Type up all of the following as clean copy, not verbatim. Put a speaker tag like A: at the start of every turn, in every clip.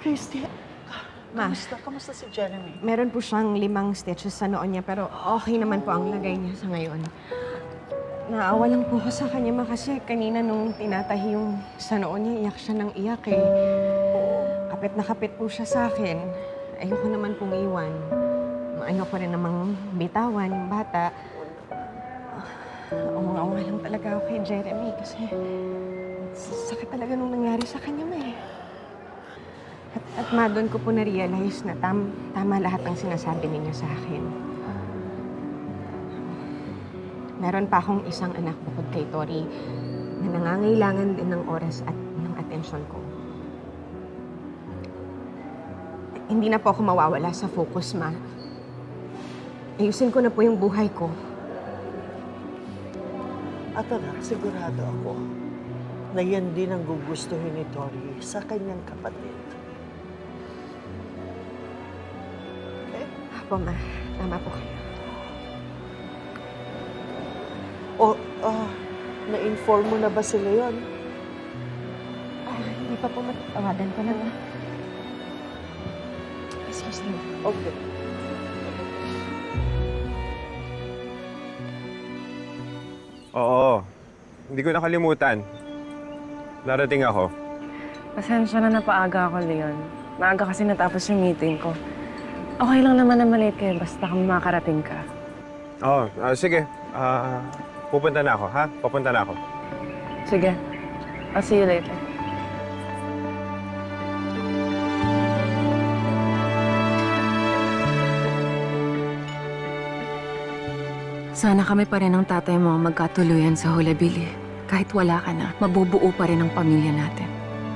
A: Christy,
B: Ma,
A: kamusta si Jeremy?
B: meron po siyang 5 stitches sa noo niya, pero okay naman po ang lagay niya sa ngayon. Naawa lang po ko sa kanya, Ma, kasi kanina nung tinatahi yung sa noo niya, iyak siya ng iyak eh. Kapit na kapit po siya sa akin. Ayoko naman pong iwan. Ayoko rin namang bitawan yung bata. Awa lang talaga ako kay Jeremy kasi sakit talaga nung nangyari sa kanya, Ma eh. At Ma, doon ko po na-realize na tama lahat ng sinasabi ninyo sa akin. Meron pa akong isang anak bukod kay Tori na nangangailangan din ng oras at ng atensyon ko. Hindi na po ako mawawala sa focus, Ma. Ayusin ko na po yung buhay ko.
A: At anak, sigurado ako na yan din ang gugustuhin ni Tori sa kanyang kapatid. Okay?
B: Apo, Ma. Tama po kayo.
A: Na-inform mo na ba si Leon?
B: Hindi pa po matatawagan ko lang. Excuse me.
A: Okay.
C: Oo. Hindi ko nakalimutan. Darating ako.
D: Pasensya na napaaga ako, Leon. Maaga kasi natapos yung meeting ko. Okay lang naman na malate kayo basta kung makarating ka.
C: Oo, sige. Pupunta na ako, ha? Pupunta na ako.
D: Sige. I'll see you later.
E: Sana kami pa rin ng tatay mo ang magkatuluyan sa Hulabili. Kahit wala ka na, mabubuo pa rin ang pamilya natin.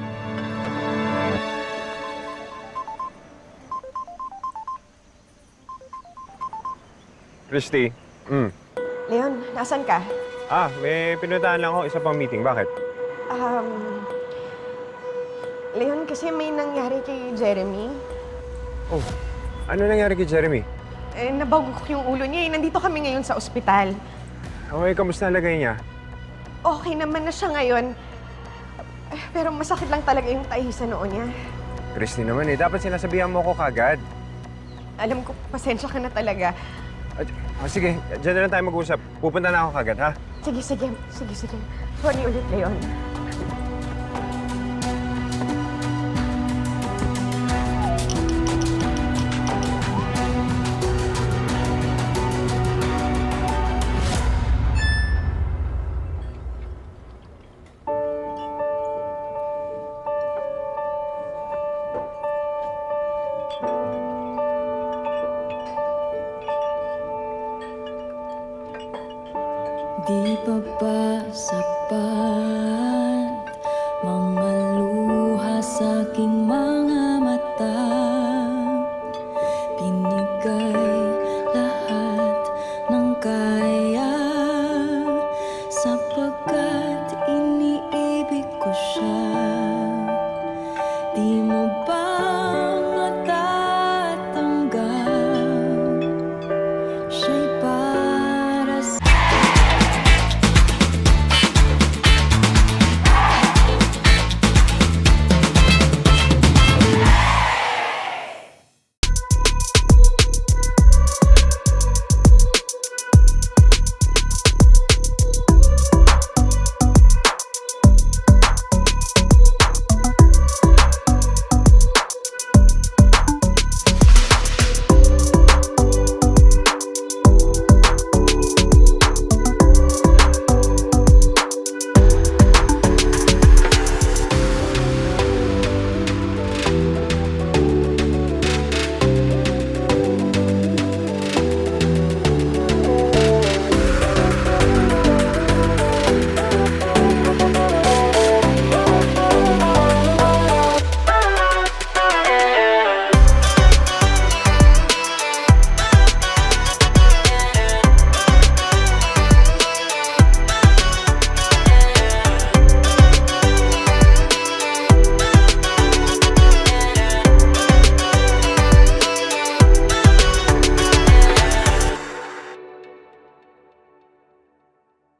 C: Christy.
B: Leon, nasan ka?
C: May pinuntahan lang ako. Isa pang meeting. Bakit?
B: Leon, kasi may nangyari kay Jeremy.
C: Oh, ano nangyari kay Jeremy?
B: Nabagok yung ulo niya. Nandito kami ngayon sa ospital.
C: Okay, kamusta ang lagay niya?
B: Okay naman na siya ngayon. Pero masakit lang talaga yung tahi sa noo niya.
C: Christy naman dapat sinasabihan mo ko kagad.
B: Alam ko, pasensya ka na talaga.
C: Sige, dyan na lang tayo mag-usap. Pupunta na ako kagad, ha?
B: Sige. Sorry ulit, Leon.